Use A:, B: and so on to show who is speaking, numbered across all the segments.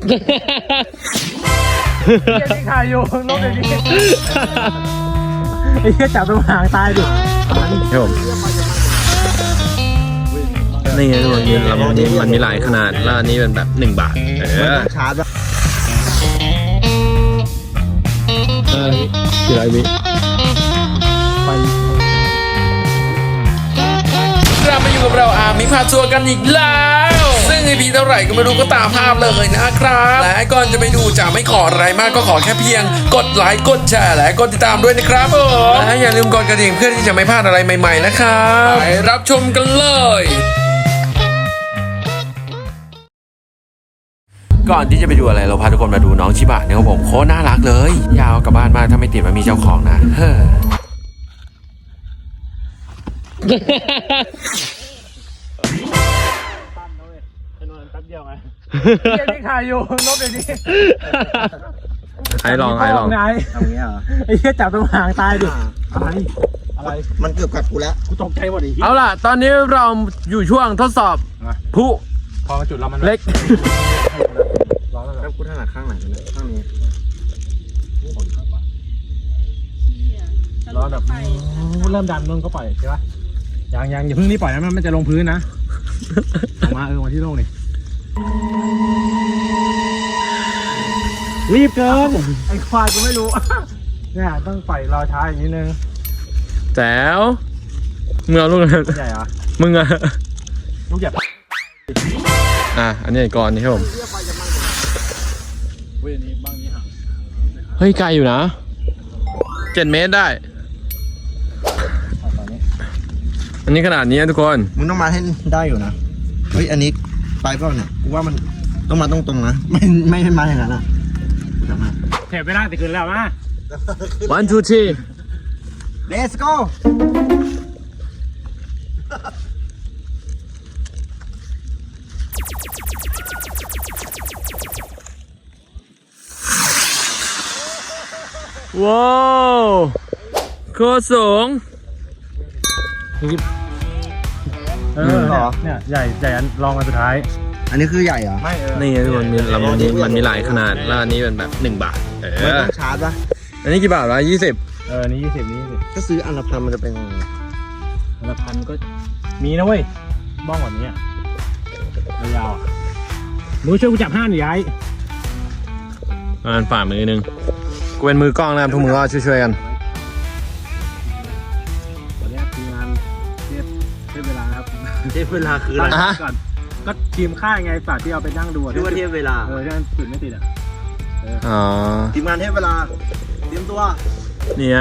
A: ที่ถ่ายอยู่ลบอย่างนี้ไอ้แค่จับตรงหางตายดิ
B: ครับผมนี่ไงทุกคนมันมีหลายขนาดแล้วอันนี้เป็นแบบ1 บาท
A: ชาร์จป่ะ
B: กี่ไรวิไป
C: เรามาอยู่กับเราอาร์มิพาทัวร์กันอีกแล้วซึ่งไอพีเท่าไหร่ก็ไม่รู้ก็ตามภาพเลยนะครับและก่อนจะไปดูจะไม่ขออะไรมากก็ขอแค่เพียงกดไลค์กดแชร์และกดติดตามด้วยนะครับผมและอย่าลืมกดกระดิ่งเพื่อที่จะไม่พลาดอะไรใหม่ๆนะครับไปรับชมกันเลยก่อนที่จะไปดูอะไรเราพาทุกคนมาดูน้องชิบะเนี่ยครับผมโคตรน่ารักเลยยาวกลับบ้านมากถ้าไม่ติดมันมีเจ้าของนะเฮ้อ
A: ที่ถ่ายอยู่ลบอย่างนี้
B: ไอ้ลอง
A: ทำอย่างนี้เหรอไอ้แค่จับตรงหางตายดิอะไรมันเกือบกัดกูแล้วกูตกใจหมดอีก
B: เอาล่ะตอนนี้เราอยู่ช่วงทดสอบผู้
A: พอจุดเรามัน
B: เล็ก
A: แล้วกูถนัดข้างไหนเนี่ยข้างนี้ร้อนแบบเริ่มดันนุ่นก็ปล่อยใช่ปะยังอย่าเพิ่งนี่ปล่อยนะมันจะลงพื้นนะออกมามาที่โล่งนี่รีบเกินไอ้ควายกูไม่รู้เนี่ยต้องปล่อยรอช้าอย่างนี้นึง
B: แจ๋วมึงเอาลูก
A: ใหญ่เหรอ
B: มึงอะ
A: ลูกใหญ่
B: อันนี้ก่อนนี่ครับผมเฮ้ยไกลอยู่นะ7 เมตรได้อันนี้ขนาดนี้ทุกคน
A: มึงต้องมาให้ได้อยู่นะเฮ้ยอันนี้ไปเปล่าเนี่ยกูว่ามันต้องมาตรงๆนะไม่มาอย่างนั้นนะเทปไม่ได้แต่คืนแล้วมา
B: 1 2 3
A: Let's go
B: ว้าวโคตรสูง
A: หรอเนี่ยใหญ่อันลองมาสุดท้ายอันนี้คือใหญ่เหรอไม่
B: นี่ทุกคนมันมีหลายขนาดแล้วอันนี้เป็นแบบ1 บาท
A: ไม่ต้องชาร์จป่ะ
B: อันนี้กี่บาทวะ20
A: นี่20นี่20ก็ซื้ออันละ1,000มันจะเป็นอันละ1,000ก็มีนะเว้ยบ้องกว่านี้ยาวมือช่วยกูจับห้าหน่อยย้าย
B: ฝ่ามือนึงกูเป็นมือกล้องนะครับทุกมือก็ช่วยกัน
A: ตอนนี้ทีมงานเทียบเวลาครับเทียบเวลาคืออะไรก่อนก็ทีมค่ายไงฝากที่เอาไปนั่งดูที่ว่าเทียบเวลาที่มันติดไม่ติดทีมงานเทียบเวลาเตรียมตัว
B: เนี่ย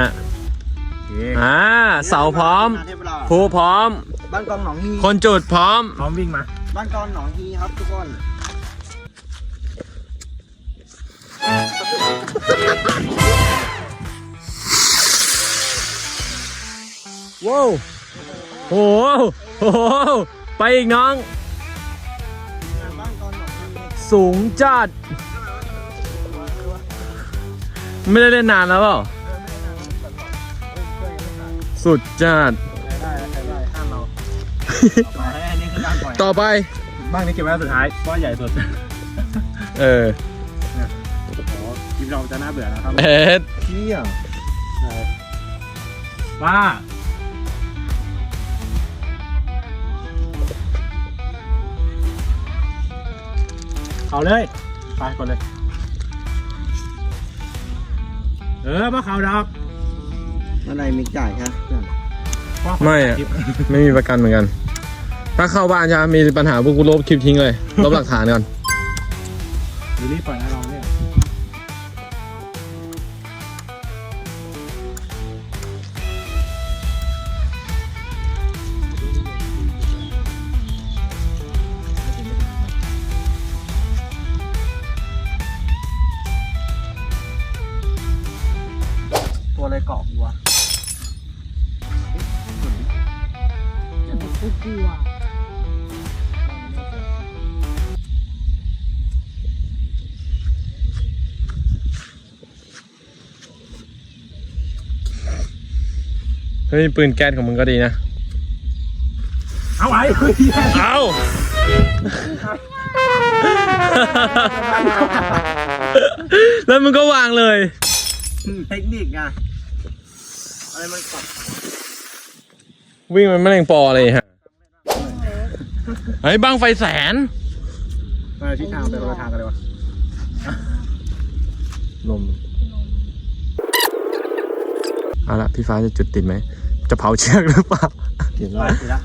B: เสาพร้อมภูพร้อม
A: บ้านกองหนองฮี
B: คนจุดพร้อม
A: วิ่งมาบ้านกองหนองฮีครับทุกคน
B: ว้าวโอ้โหไปอีกน้องสูงจัดไม่ได้เล่นนานแล้วเปล่าสุดจัดต่อไป
A: บ้านนี้เก็บไว้สุดท้ายเพราะใหญ่สุดทีมเราจะน่าเบื่อนะครับเที่ยบ้าเขาเลยไปก่อนเลยมาเขาดอกอะไรมีจ่ายใช่
B: ไม่มีประกันเหมือนกันถ้าเข้าบ้านจะมีปัญหาพวกกูลบคลิปทิ้งเลยลบหลักฐานก่อน
A: รีบปล่อยนะลองเนี่ยตัวอะไรเกาะกูวะกูกลัว
B: เฮ้ยปืนแก๊สของมึงก็ดีนะ
A: เอาไว้
B: เอาแล้วมึงก็วางเลย
A: เทคนิคไงอะไรมันกด
B: วิ่งมันไม่แรงปอเลยฮะเฮ้ยบังไฟแสน
A: ทิศทางไปคนละทางกันเลยวะ
B: ลมเอาละพี่ฟ้าจะจุดติดไหมจะเผาเชือกหรือเปล่า
A: ติดแล้ว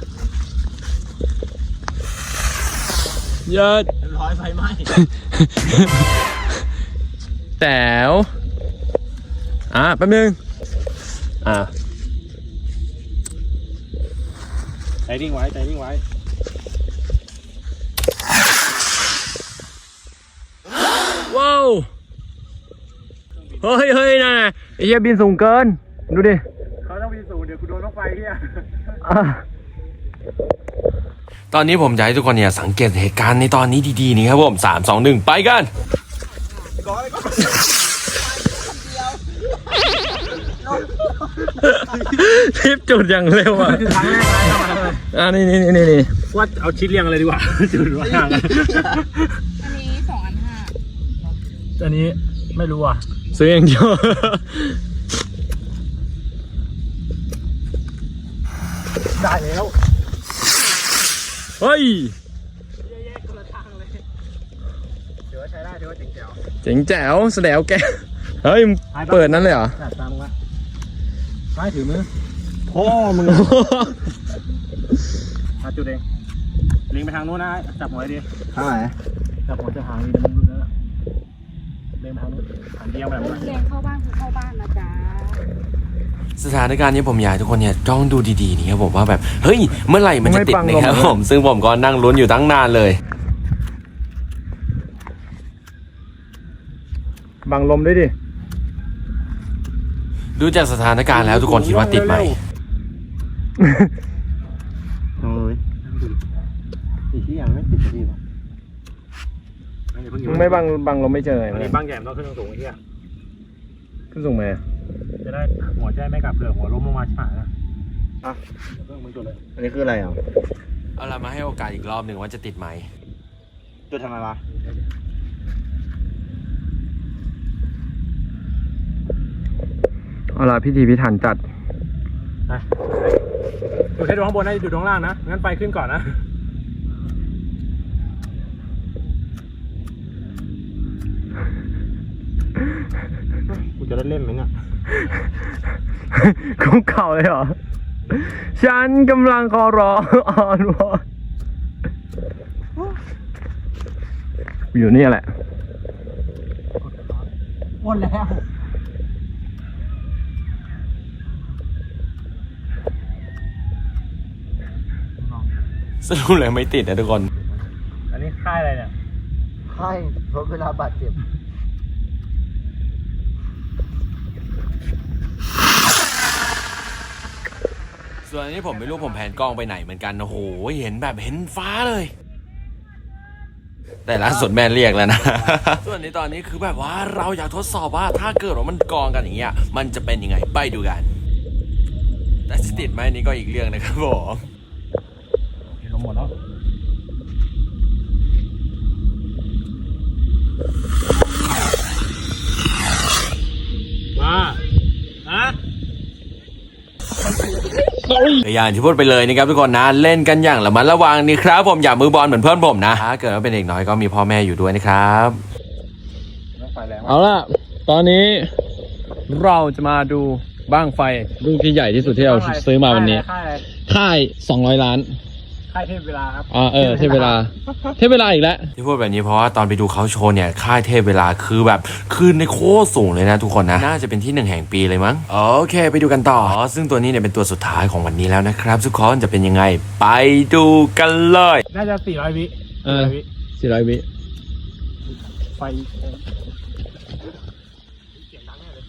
B: เยอะ
A: ร้อยไฟไหม้
B: แต๋วแป๊บนึง
A: ใจนิ่งไว้ใจนิ่งไว้
B: ว้าวเฮ้ยนะไอ้เหี้ยบินสูงเกินดูดิ
A: เขาต้องมีสูงเดี๋ยวกูโดนรถไฟเฮีย
C: ตอนนี้ผมอยากให้ทุกคนเนี่ยสังเกตเหตุการณ์ในตอนนี้ดีๆนี่ครับผม3 2 1ไปกัน
B: ทิปจุดอย่างเร็วอ่ะ
A: คือครั้งแรกเลย
B: นี่
A: ว่าเอาชิ้นเรียงอะไรดีกว่าจุดว่าห่าง
D: อันนี้2 อัน 5
A: อันนี้ไม่รู้อ่ะ
B: ซื้ออย่างเดียว
A: ได้แล้ว
B: เฮ้ย
A: แยกคนละทางเลยถือว่าใช้ได้ถือว่าเจ๋งแจ๋ว
B: เจ๋งแจ๋วแสดงแกเฮ้ยเปิดนั้นเลยเหรอ
A: ตามมึงวะไม่ถือมือพ่อมึงมาจุดเองลิงไปทางโน้นนะจับหัวดีทางไหนจับหัวจะหางดีมันรุนแล้วเล็งไปทางโน้นหันเดียวแบบนั้น
D: เรียนเข้าบ้านคือเข้าบ้านนะจ๊ะ
C: สถานการณ์นี้ผมอยากให้ทุกคนเนี่ยจ้องดูดีๆนี่ครับผมว่าแบบเฮ้ยเมื่อไหร่มันจะติดนะครับผมซึ่งผมก็นั่งลุ้นอยู่ตั้งนานเลย
B: บังลมด้วยดิ
C: ดูจากสถานการณ์แล้วทุกคนคิดว่าติดไหม
A: โอ้ยอีกที่ยังไม่ติดสักทีวะ
B: มึงไม่บังลมไม่เจอไง
A: อันนี้บางแย่มต้องขึ้นสูงไอ้เหี้ย
B: ขึ้นสูงไหม
A: จะได้หัวใจไม่กลับเผื่อหัวล้มลงมาชิบหายนะเพิ่งมึงจุดเลยอันนี้คืออะไรอ่ะ
C: เอาล่ะมาให้โอกาสอีกรอบหนึ่งว่าจะติดไหม
A: จุดทำไมวะ
B: เอาล่ะพิธีพิถันจัด
A: จุดให้ดูข้างบนนะจุดข้างล่างนะงั้นไฟขึ้นก่อนนะกูจะได้เล่นไหมเนี่ย
B: คุกเข่าเลยเหรอ ฉันกำลังขอร้องอ่อนวอนอยู่นี่แหละ
A: หมดแล้ว
C: สรุปเลยไม่ติดนะทุกคน
A: อันนี้ค่ายอะไรเนี่ย
E: ให้ลดเวลาบาดเจ็บ
C: ส่วนอันนี้ผมไม่รู้ผมแผนกล้องไปไหนเหมือนกันโอ้โหเห็นแบบเห็นฟ้าเลย แต่ล่าสุดแม่เรียกแล้วนะ ส่วนในตอนนี้คือแบบว่าเราอยากทดสอบว่าถ้าเกิดว่ามันกองกันอย่างเงี้ยมันจะเป็นยังไงไปดูกัน แต่จะติดไหมนี่ก็อีกเรื่องนะครับผม
A: ลงหมดแล้ว
C: อย่างที่พูดไปเลยนะครับทุกคนนะเล่นกันอย่างระมัดระวังนี่ครับผมอย่ามือบอลเหมือนเพื่อนผมนะถ้าเกิดว่าเป็นเด็กน้อยก็มีพ่อแม่อยู่ด้วยนะครับ
B: เอาล่ะ ตอนนี้เราจะมาดูบ้างไฟลูกที่ใหญ่ที่สุดที่เราซื้อมาวันนี้ ค่าย200 ล้าน
A: ค่ายเทพเวลาครับ
B: เทพเวลา เทพเวลาอีกแล้ว
C: ที่พูดแบบนี้เพราะว่าตอนไปดูเขาโชว์เนี่ยค่ายเทพเวลาคือแบบขึ้นในโคตรสูงเลยนะทุกคนนะน่าจะเป็นที่1แห่งปีเลยมั้งโอเคไปดูกันต่อซึ่งตัวนี้เนี่ยเป็นตัวสุดท้ายของวันนี้แล้วนะครับทุกคนจะเป็นยังไงไปดูกันเลย
A: น่าจะ400 วิ
B: 400 วิ
A: ไฟเสียงดังแน่เลย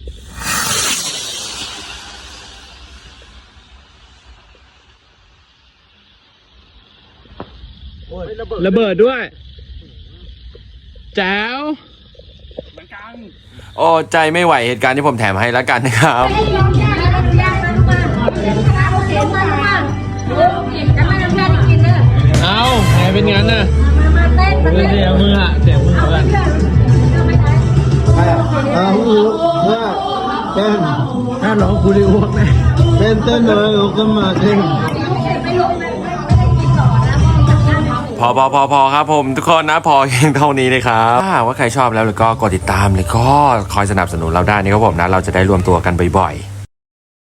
B: ระเบิดด้วย แจ๋ว
A: เหมือนกัน
C: โอ้ใจไม่ไหวเหตุการณ์ที่ผมแถมให้แล้วกันนะครับ
B: เอาแหมเป็นงั้นน่ะ
D: มาเต้น
B: เดี๋ยวมืออ่ะ
E: เต้น
A: ถ้าร้องกูได้อ้วกแน่
E: เต้นเลยลุกขึ้นมาเต้น
B: พอครับผมทุกคนนะพอเพียงเท่านี้เลยครับถ้าหากว่าใครชอบแล้วก็กดติดตามแล้วก็คอยสนับสนุนเราได้นะครับผมนะเราจะได้รวมตัวกันบ่อยๆ